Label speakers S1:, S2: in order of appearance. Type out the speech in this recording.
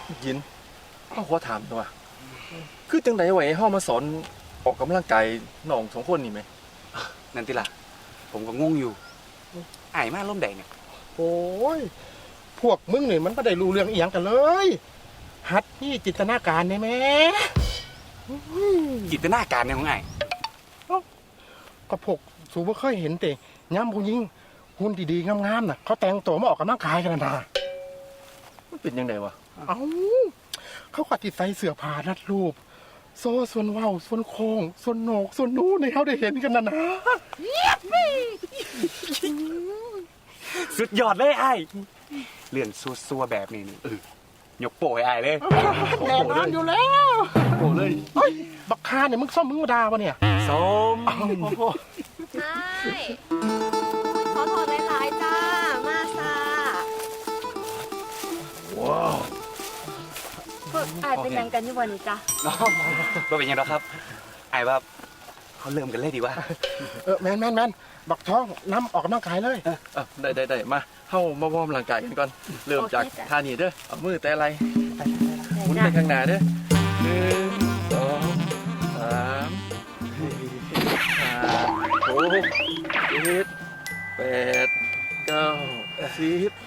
S1: ยินเอาขอถามตัวคือจังไดไว้เฮามาสอนออกกำลังกายน้องสองคนนี่ไหม
S2: นั่นติล่ะผมก็งงอยู่อายมาร่มแดงเนี่ย
S3: โอ้ยพวกมึงนี่มันไม่ได้รู้เรื่องอีหยังกันเลยหัดนี่จินตนาการได้ไหม
S2: จินตนาการเนี่ยของอาย
S3: ก็พวกสูบ่เคยเห็นแต่ย้ำผู้หญิงหุ่นดีๆงามๆน่ะเขาแต่งตัวมาออกกำลังกายกันนะ
S1: มันเป็นยังไงวะ
S3: เอ้าเขาก็ติดใส่เสื้อผ้ารัดรูปโซ่ส่วนเว้าส่วนโค้งส่วนโหนกส่วนนู้นให้เขาได้เห็นกันนะ
S2: สุดยอดเลยอายเรื่องซัวๆแบบนี้นี่ยกโป้ให้อายเลย
S3: แน่นอนอยู่แล้ว
S1: โอ้เลย
S3: เฮ้ยบักคาเนี่ยมึงซ่อมมึงมาดาวะเนี่ย
S2: ส้ม
S4: ใช่ขอโทษหลายๆจ้า มาซา
S1: ว้าว
S4: พวกอายเป็นยังกันอยู่วันนี้จ้ะ
S2: บ่เป็นยังหรอกครับอายว่าเขาเริ่มกันเลยดีวะ
S3: แมนบักท้องน้ำออกกำลังกายเลย
S1: ได้มาเฮามาวอร์มร่างกายกันก่อนเริ่มจากท่านี้เด้อเอามือแต่อะไรหมุนไปข้างหน้าเด้อ1 2 3 4 5 6 7 8 9 10